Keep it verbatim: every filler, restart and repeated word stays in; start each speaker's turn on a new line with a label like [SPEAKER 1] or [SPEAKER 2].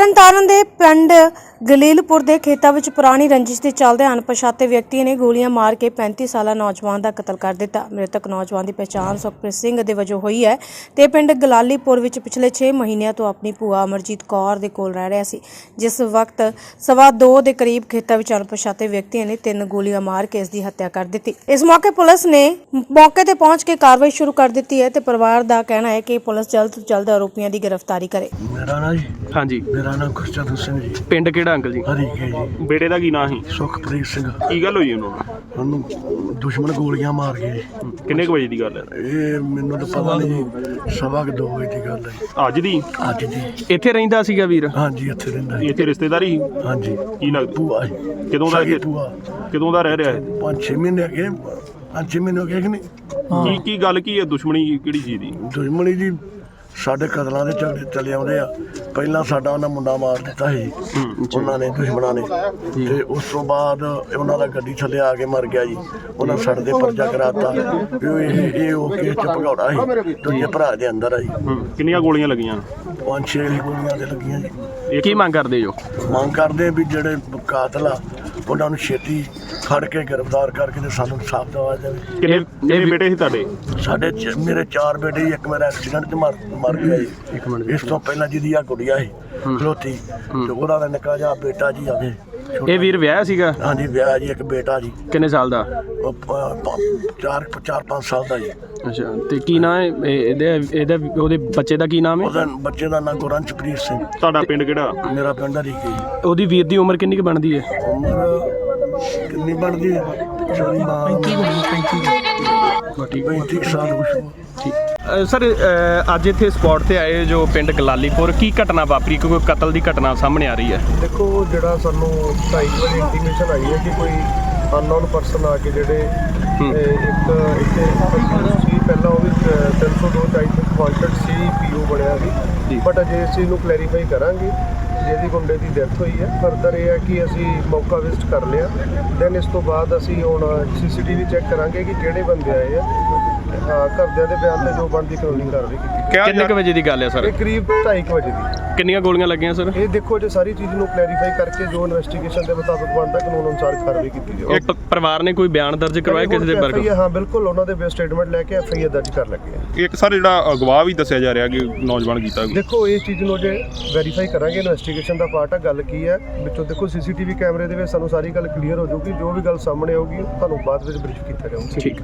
[SPEAKER 1] ਤਰਨਤਾਰਨ ਦੇ ਪਿੰਡ ਗਲੀਲਪੁਰ ਦੇ ਖੇਤਾਂ ਵਿੱਚ ਪੁਰਾਣੀ ਰੰਜਿਸ਼ ਦੇ ਚੱਲਦੇ ਅਣਪਛਾਤੇ ਵਿਅਕਤੀ ਨੇ ਗੋਲੀਆਂ ਮਾਰ ਕੇ ਪੈਂਤੀ ਸਾਲਾ ਨੌਜਵਾਨ ਦਾ ਕਤਲ ਕਰ ਦਿੱਤਾ। ਮ੍ਰਿਤਕ ਨੌਜਵਾਨ ਦੀ ਪਛਾਣ ਸੁਖਪ੍ਰੀਤ ਸਿੰਘ ਦੇ ਵਜੋਂ ਹੋਈ ਹੈ ਤੇ ਪਿੰਡ ਗਲਾਲੀਪੁਰ ਵਿੱਚ ਪਿਛਲੇ ਛੇ ਮਹੀਨਿਆਂ ਤੋਂ ਆਪਣੀ ਭੂਆ ਅਮਰਜੀਤ ਕੌਰ ਦੇ ਕੋਲ ਰਹਿ ਰਿਹਾ ਸੀ, ਜਿਸ ਵਕਤ ਸਵਾ ਦੋ ਦੇ ਕਰੀਬ ਖੇਤਾਂ ਵਿੱਚ ਅਣਪਛਾਤੇ ਵਿਅਕਤੀਆਂ ਨੇ ਤਿੰਨ ਗੋਲੀਆਂ ਮਾਰ ਕੇ ਇਸ ਦੀ ਹੱਤਿਆ ਕਰ ਦਿੱਤੀ। ਇਸ ਮੌਕੇ ਪੁਲਿਸ ਨੇ ਮੌਕੇ ਤੇ ਪਹੁੰਚ ਕੇ ਕਾਰਵਾਈ ਸ਼ੁਰੂ ਕਰ ਦਿੱਤੀ ਹੈ ਤੇ ਪਰਿਵਾਰ ਦਾ ਕਹਿਣਾ ਹੈ ਕਿ ਪੁਲਿਸ ਜਲਦ ਤੋਂ ਜਲਦ ਆਰੋਪੀਆਂ ਦੀ ਗ੍ਰਿਫਤਾਰੀ ਕਰੇ।
[SPEAKER 2] ਮੇਰਾ ਨਾਂ ਜੀ
[SPEAKER 3] हाँ जी
[SPEAKER 2] ਮੇਰਾ ਨਾਮ ਗੁਰਚਰਨ ਸਿੰਘ ਜੀ।
[SPEAKER 3] पिंड केड़ा अंकल जी?
[SPEAKER 2] ਹਰੀਕੇ ਜੀ।
[SPEAKER 3] बेटे का की ना ही
[SPEAKER 2] ਸੁਖਪ੍ਰੀਤ ਸਿੰਘ।
[SPEAKER 3] की गल हुई उन्होंने?
[SPEAKER 2] ਉਹਨੂੰ ਦੁਸ਼ਮਣ ਗੋਲੀਆਂ ਮਾਰ ਗਏ ਜੀ।
[SPEAKER 3] किन्ने कुछ बजे की गल है?
[SPEAKER 2] ਇਹ ਮੈਨੂੰ ਤਾਂ ਪਤਾ ਨਹੀਂ ਜੀ, ਸਵਾ ਕੁ ਦੋ ਵਜੇ ਦੀ ਗੱਲ ਹੈ
[SPEAKER 3] ਅੱਜ ਦੀ?
[SPEAKER 2] ਅੱਜ ਦੀ।
[SPEAKER 3] ਇੱਥੇ ਰਹਿੰਦਾ ਸੀਗਾ ਵੀਰ?
[SPEAKER 2] ਹਾਂਜੀ ਇੱਥੇ ਰਹਿੰਦਾ ਜੀ।
[SPEAKER 3] ਇੱਥੇ ਰਿਸ਼ਤੇਦਾਰੀ?
[SPEAKER 2] ਹਾਂਜੀ।
[SPEAKER 3] ਕੀ ਲੱਗਦਾ?
[SPEAKER 2] ਭੂਆ ਜੀ।
[SPEAKER 3] ਕਦੋਂ ਦਾ
[SPEAKER 2] ਸਾਡੀ
[SPEAKER 3] ਇੱਥੇ-
[SPEAKER 2] ਭੂਆ
[SPEAKER 3] ਕਦੋਂ ਦਾ ਰਹਿ ਰਿਹਾ ਹੈ?
[SPEAKER 2] ਪੰਜ ਛੇ ਮਹੀਨੇ ਅਗੇ ਪੰਜ ਛੇ ਮਹੀਨੇ ਹੋ ਗਏ ਕਿ ਨਹੀਂ।
[SPEAKER 3] ਕੀ ਕੀ ਗੱਲ ਕੀ ਹੈ? ਦੁਸ਼ਮਣੀ ਕਿਹੜੀ ਚੀਜ਼ ਦੀ?
[SPEAKER 2] ਦੁਸ਼ਮਣੀ ਜੀ ਸਾਡੇ ਕਤਲਾਂ ਦੇ ਝਗੜੇ ਚੱਲੇ ਆਉਂਦੇ ਆ। ਪਹਿਲਾਂ ਸਾਡਾ ਉਹਨਾਂ ਮੁੰਡਾ ਮਾਰ ਦਿੱਤਾ ਸੀ ਉਹਨਾਂ ਨੇ, ਦੁਸ਼ਮਣਾਂ ਨੇ, ਤੇ ਉਸ ਤੋਂ ਬਾਅਦ ਉਹਨਾਂ ਦਾ ਗੱਡੀ ਥੱਲੇ ਆ ਕੇ ਮਰ ਗਿਆ ਜੀ। ਉਹਨਾਂ ਸੜ ਦੇ ਪਰਚਾ ਕਰਾਤਾ ਵੀ ਉਹ ਇਹ ਇਹ ਉਹ ਕੇਸ ਚ ਭਗੌੜਾ ਸੀ, ਦੂਜੇ ਭਰਾ ਦੇ ਅੰਦਰ ਆ ਜੀ।
[SPEAKER 3] ਕਿੰਨੀਆਂ ਗੋਲੀਆਂ ਲੱਗੀਆਂ?
[SPEAKER 2] ਪੰਜ ਛੇ ਗੋਲੀਆਂ ਤੇ ਲੱਗੀਆਂ ਜੀ।
[SPEAKER 3] ਕੀ ਮੰਗ ਕਰਦੇ ਜੋ?
[SPEAKER 2] ਮੰਗ ਕਰਦੇ ਵੀ ਜਿਹੜੇ ਕਾਤਲ ਆ ਉਹਨਾਂ ਨੂੰ ਛੇਤੀ ਫੜ ਕੇ ਗ੍ਰਿਫਤਾਰ ਕਰਕੇ ਤੇ ਸਾਨੂੰ ਇਨਸਾਫ ਦਿਵਾਇਆ ਜਾਵੇ।
[SPEAKER 3] ਕਿੰਨੇ ਕਿੰਨੇ ਬੇਟੇ ਸੀ ਤੁਹਾਡੇ?
[SPEAKER 2] ਸਾਡੇ ਚ- ਮੇਰੇ ਚਾਰ ਬੇਟੇ ਜੀ, ਇੱਕ ਮੇਰਾ ਐਕਸੀਡੈਂਟ ਚ ਮਰ ਮਰ ਗਿਆ ਜੀ। ਇਸ ਤੋਂ ਪਹਿਲਾਂ ਜਿਹਦੀ ਆ ਗੁੜੀਆ ਸੀ ਖਲੋਤੀ, ਤੇ ਉਹਦਾ ਦਾ ਨਿੱਕਾ ਜਿਹਾ ਬੇਟਾ ਜੀ ਆਵੇ।
[SPEAKER 3] ਇਹ ਵੀਰ ਵਿਆਹ ਸੀਗਾ?
[SPEAKER 2] ਹਾਂਜੀ ਵਿਆਹ ਜੀ, ਇੱਕ ਬੇਟਾ ਜੀ।
[SPEAKER 3] ਕਿੰਨੇ ਸਾਲ ਦਾ?
[SPEAKER 2] ਉਹ ਪ- ਪ- ਚਾਰ ਚਾਰ ਪੰਜ ਸਾਲ ਦਾ ਜੀ।
[SPEAKER 3] ਅੱਛਾ, ਤੇ ਕੀ ਨਾਂ ਹੈ ਇਹ- ਇਹਦੇ ਇਹਦਾ ਉਹਦੇ ਬੱਚੇ ਦਾ ਕੀ ਨਾਮ ਹੈ?
[SPEAKER 2] ਉਹਦਾ ਬੱਚੇ ਦਾ ਨਾਂ ਗੁਰੰਚਪ੍ਰੀਤ ਸਿੰਘ।
[SPEAKER 3] ਤੁਹਾਡਾ ਪਿੰਡ ਕਿਹੜਾ?
[SPEAKER 2] ਮੇਰਾ ਪਿੰਡ ਹਰੀਕੇ ਜੀ।
[SPEAKER 3] ਉਹਦੀ ਵੀਰ ਦੀ ਉਮਰ ਕਿੰਨੀ ਕੁ ਬਣਦੀ ਹੈ?
[SPEAKER 2] ਉਮਰ ਕਿੰਨੀ ਬਣਦੀ ਹੈ? ਪੈਂਤੀ ਪੈਂਤੀ ਸਾਲ ਕੁਛ।
[SPEAKER 3] ਠੀਕ ਸਰ, ਅੱਜ ਇੱਥੇ ਸਪੌਟ ਤੇ ਆਏ ਜੋ ਪਿੰਡ ਗਲਾਲੀਪੁਰ, ਕੀ ਘਟਨਾ ਵਾਪਰੀ? ਕੋਈ ਕਤਲ ਦੀ ਘਟਨਾ ਸਾਹਮਣੇ ਆ ਰਹੀ ਹੈ?
[SPEAKER 4] ਦੇਖੋ, ਜਿਹੜਾ ਸਾਨੂੰ ਢਾਈ ਵਜੇ ਇੰਟੀਮੇਸ਼ਨ ਆਈ ਹੈ ਕਿ ਕੋਈ ਅਨਨੋਨ ਪਰਸਨ ਆ ਕੇ ਜਿਹੜੇ ਇਹ ਇੱਕ ਇੱਥੇ ਸੀ, ਪਹਿਲਾਂ ਉਹ ਵੀ ਤਿੰਨ ਸੌ ਦੋ ਟਾਈਪ ਵਾਂਟਡ ਸੀ ਪੀਓ ਬਣਿਆ ਸੀ, ਬਟ ਅਜੇ ਇਸ ਚੀਜ਼ ਨੂੰ ਕਲੈਰੀਫਾਈ ਕਰਾਂਗੇ। ਜਿਹਦੀ ਮੁੰਡੇ ਦੀ ਡੈਥ ਹੋਈ ਹੈ, ਫਰਦਰ ਇਹ ਹੈ ਕਿ ਅਸੀਂ ਮੌਕਾ ਵਿਜ਼ਿਟ ਕਰ ਲਿਆ। ਦੈਨ ਇਸ ਤੋਂ ਬਾਅਦ ਅਸੀਂ ਹੁਣ ਸੀ ਸੀ ਟੀ ਵੀ ਚੈੱਕ ਕਰਾਂਗੇ ਕਿ ਕਿਹੜੇ ਬੰਦੇ ਆਏ ਆ। ਹਾਂ, ਘਰਦਿਆਂ ਦੇ ਬਿਆਨ ਤੇ ਜੋ ਬਣਦੀ ਕਾਨੂੰਨੀ ਕਾਰਵਾਈ ਕੀਤੀ।
[SPEAKER 3] ਕਿੰਨੇ ਕੁ ਵਜੇ ਦੀ ਗੱਲ ਹੈ ਸਰ?
[SPEAKER 4] ਇਹ ਕਰੀਬ ਢਾਈ ਕੁ ਵਜੇ ਦੀ।
[SPEAKER 3] ਕਿੰਨੀਆਂ ਗੋਲੀਆਂ ਲੱਗੀਆਂ ਸਰ?
[SPEAKER 4] ਇਹ ਦੇਖੋ, ਜੇ ਸਾਰੀ ਚੀਜ਼ ਨੂੰ ਕਲੈਰੀਫਾਈ ਕਰਕੇ ਜੋ ਇਨਵੈਸਟੀਗੇਸ਼ਨ ਦੇ ਮੁਤਾਬਕ ਬਣਦਾ ਕਾਨੂੰਨ ਅਨੁਸਾਰ ਕਾਰਵਾਈ ਕੀਤੀ ਜਾਵੇ।
[SPEAKER 3] ਇੱਕ ਪਰਿਵਾਰ ਨੇ ਕੋਈ ਬਿਆਨ ਦਰਜ ਕਰਵਾਇਆ ਕਿਸੇ ਦੇ ਬਾਰੇ?
[SPEAKER 4] ਹਾਂ ਬਿਲਕੁਲ, ਉਹਨਾਂ ਦੇ ਸਟੇਟਮੈਂਟ ਲੈ ਕੇ ਐਫ ਆਈ ਆਰ ਦਰਜ ਕਰ ਲੱਗੇ ਆ।
[SPEAKER 3] ਇੱਕ ਸਰ ਜਿਹੜਾ ਅਗਵਾ ਵੀ ਦੱਸਿਆ ਜਾ ਰਿਹਾ ਕਿ ਨੌਜਵਾਨ ਕੀਤਾ।
[SPEAKER 4] ਦੇਖੋ, ਇਹ ਚੀਜ਼ ਨੂੰ ਜੇ ਵੈਰੀਫਾਈ ਕਰਾਂਗੇ, ਇਨਵੈਸਟੀਗੇਸ਼ਨ ਦਾ ਪਾਰਟ ਆ। ਗੱਲ ਕੀ ਹੈ ਵਿੱਚੋਂ ਦੇਖੋ, ਸੀ ਸੀ ਟੀ ਵੀ ਕੈਮਰੇ ਦੇ ਵਿੱਚ ਸਾਨੂੰ ਸਾਰੀ ਗੱਲ ਕਲੀਅਰ ਹੋ ਜਾਊਗੀ। ਜੋ ਵੀ ਗੱਲ ਸਾਹਮਣੇ ਆਊਗੀ ਤੁਹਾਨੂੰ ਬਾਅਦ ਵਿੱਚ ਬਰੀਫ ਕੀਤਾ ਜਾਊਗਾ।
[SPEAKER 3] ਠੀਕ।